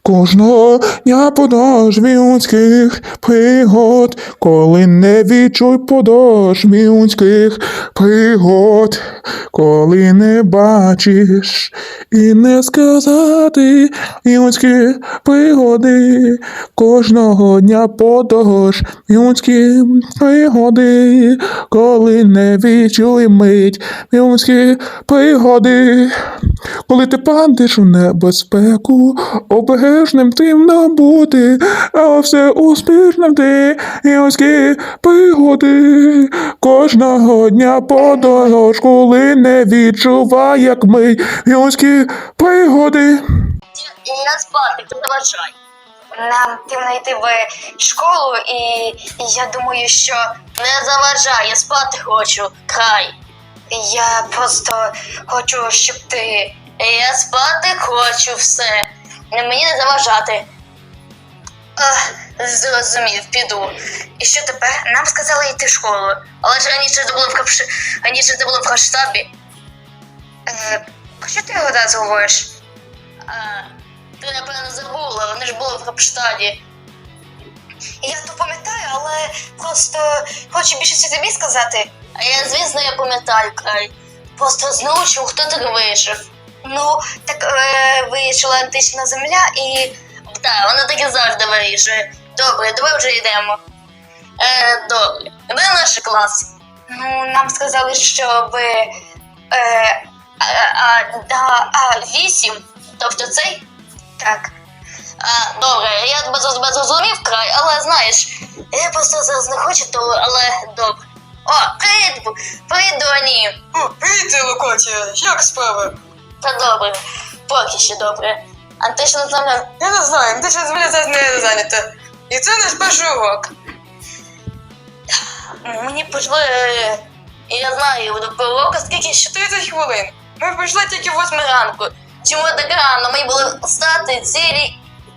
Кожного дня подошві людських пригод, коли не відчуй подошві людських пригод, коли не бачиш і не сказати людські пригоди, кожного дня подорож людські пригоди, коли не відчуй мить людські пригоди, коли ти падеш у небезпеку, обережним тим бути, а все успішним ти людські пригоди, кожного дня подорож, коли не відчувай, як ми людські пригоди. Я спати, ти заважай. Нам потрібно йти в школу, і я думаю, що Не заважай, я спати хочу, край. я просто хочу, щоб ти... Я спати хочу, все. Мені не заважати. Зрозумів, піду. І що тепер? Нам сказали йти в школу. Але ж раніше це було в Хаштабі. Про що ти одразу говориш? Ти, напевно, забула, вони ж були в Капштаді. Я то пам'ятаю, але просто хочу більше це тобі сказати. А я, звісно, я пам'ятаю, край. Просто знову чув, хто так вийшов. Ну, так вийшла антична земля і... Так, вона так і завжди вирішує. Добре, давай вже йдемо. Добре. Де наш клас? Ну, нам сказали, що ви... 8? Тобто цей? Так. Добре, я тебе зрозумів, край, але знаєш, я просто зараз не хочу, але добре. О, привіт, Доні. Привіт, Локотія, як справи? Та добре, поки що добре. Антична земля. Я не знаю, антична земля зараз не зайнята. І це наш перший урок. Мені пішли, я знаю, до уроку скільки ще 30 хвилин. Ми прийшли тільки в 8 ранку. Чому так рано? Мені було встати цілі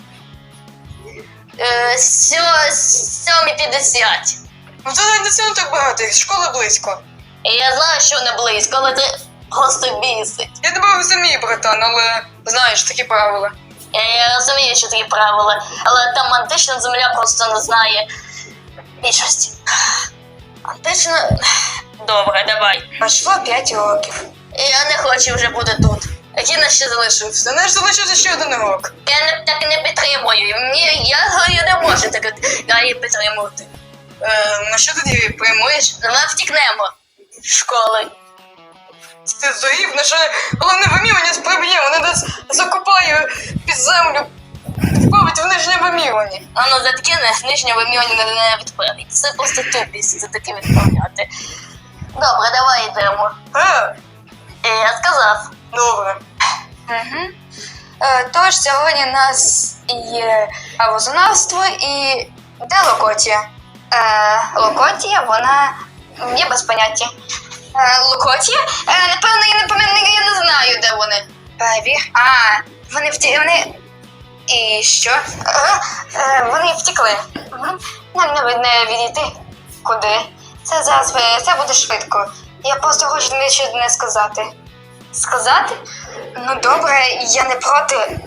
7:50. Ну це навіть не сильно так багато, їх школа близько. І я знаю, що не близько, але ти просто бісить. Я тебе розумію, братан, але знаєш, такі правила. Я розумію, що такі правила, але там антична земля просто не знає більшості. Антична... Добре, давай. Пройшло 5 років. Я не хочу вже бути тут. Який нас ще залишився? За наш залишився ще один урок. Я так не підтримую. Я не можу так її підтримувати. Ну що тоді приймуєш? Давай втікнемо з школи. Ти здурів, наше головне вимірювання сприб'є, вони нас закопає під землю, відправить в нижнє вимірювання. Воно за таке нижнє вимірювання не відправить. Це просто тупість за таке відправляти. Добре, давай йдемо. Я сказав. Добре. Угу. Тож сьогодні у нас є правознавство і де Локотія? Локотія, вона є без поняття. Локотія? Напевно, я не знаю, де вони. Перевір. Вони І що? Вони втекли. Нам не відійти. Куди? Це зараз це буде швидко. Я просто хочу дещо не сказати. Сказати? Ну добре, я не проти.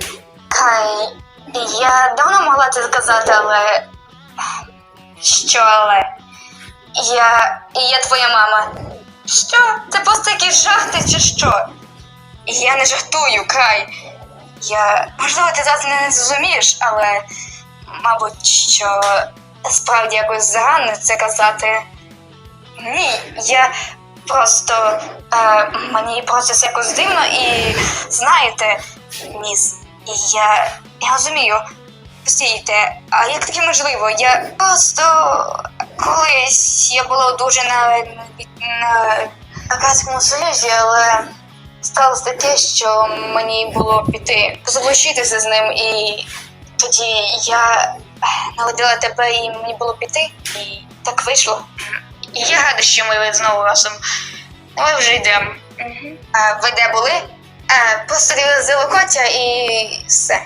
Я давно могла це сказати, але... Що але? Я твоя мама. Що? Це просто якісь жахти чи що? Я не жартую, Край. Можливо, ти зараз не зрозумієш, але... Мабуть, що... Справді якось зарано це казати. Ні, я просто... мені просто це якось дивно і... Знаєте, міс, я розумію. Постійте, а як таке можливо? Я просто... Колись я була дуже на Акадському Союзі, але сталося таке, що мені було піти, залишитися з ним, і тоді я народила тебе, і мені було піти, і так вийшло. І я рада, що ми знову разом. Ми вже йдемо. Угу. А ви де були? Просто дивилися Локотя і все.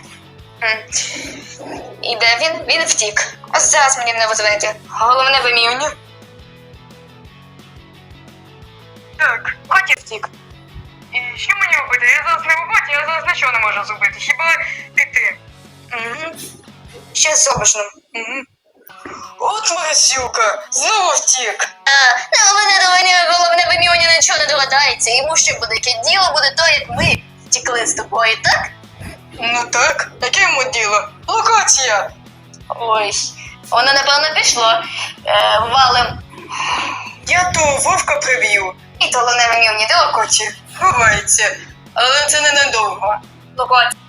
І де він? Він втік. Ось зараз мені не позвонити. Головне вимірювання. Так, Коті втік. І що мені робити? Я зараз на роботі, я зараз нічого не можу зробити. Хіба піти? Що зробиш нам? От мразюка, знову втік. Головне вимірювання нічого не догадається. Йому ще буде яке діло, буде то, як ми втекли з тобою, так? Ну так, яке йому діло? Локація. Ой, воно напевно пішло. Валим. Я того вовка привів. І то головне вимірювання, де локоті. Ховається, але це ненадовго. Локація.